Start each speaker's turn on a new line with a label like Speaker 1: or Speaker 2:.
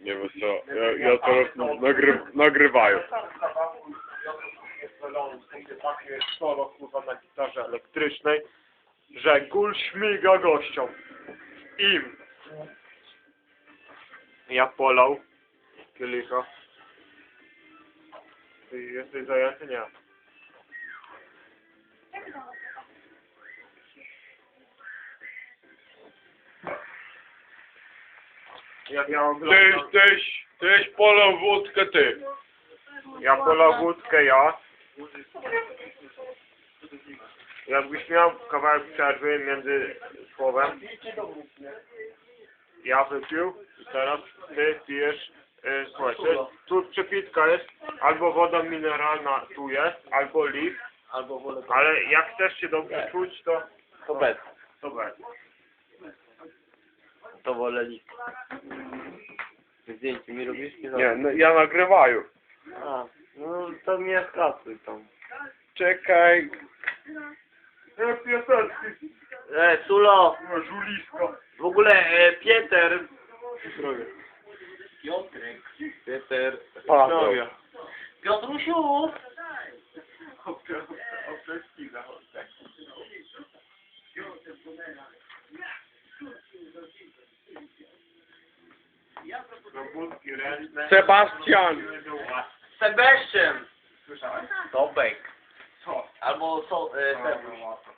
Speaker 1: Nie wiem co, ja teraz nagrywają.
Speaker 2: Jest takie solo kurwa na gitarze elektrycznej, że gól śmiga gościom. Im. Ja polał kielicha. Ty jesteś zajęty? Nie. Jak ja oglądam...
Speaker 1: Tyś polał wódkę ty.
Speaker 2: Ja polał wódkę, ja. Jakbyś miał kawałek przerwy między słowem. Ja wypił i teraz ty pijesz. Słuchaj, tu przepitka jest, albo woda mineralna tu jest, albo lik,
Speaker 3: Albo wolę to.
Speaker 2: ale jak chcesz się dobrze czuć,
Speaker 3: To bez.
Speaker 2: to bez.
Speaker 3: To wolę lik. Zdjęcie mi robisz?
Speaker 1: Nie, no, ja nagrywają.
Speaker 3: A, no to mnie skasuj tam.
Speaker 1: Czekaj.
Speaker 2: Jak piosenki,
Speaker 3: Sulo,
Speaker 2: żulisko.
Speaker 3: w ogóle Pieter. Piotrek. Pieter.
Speaker 1: Paweł.
Speaker 3: Zdrowia. Piotrusiu!
Speaker 2: Robótki ręczne.
Speaker 1: Sebastian.
Speaker 3: Sebastian!
Speaker 2: Słyszałeś?
Speaker 3: Tobek.
Speaker 2: Co?
Speaker 3: Albo Sebuś.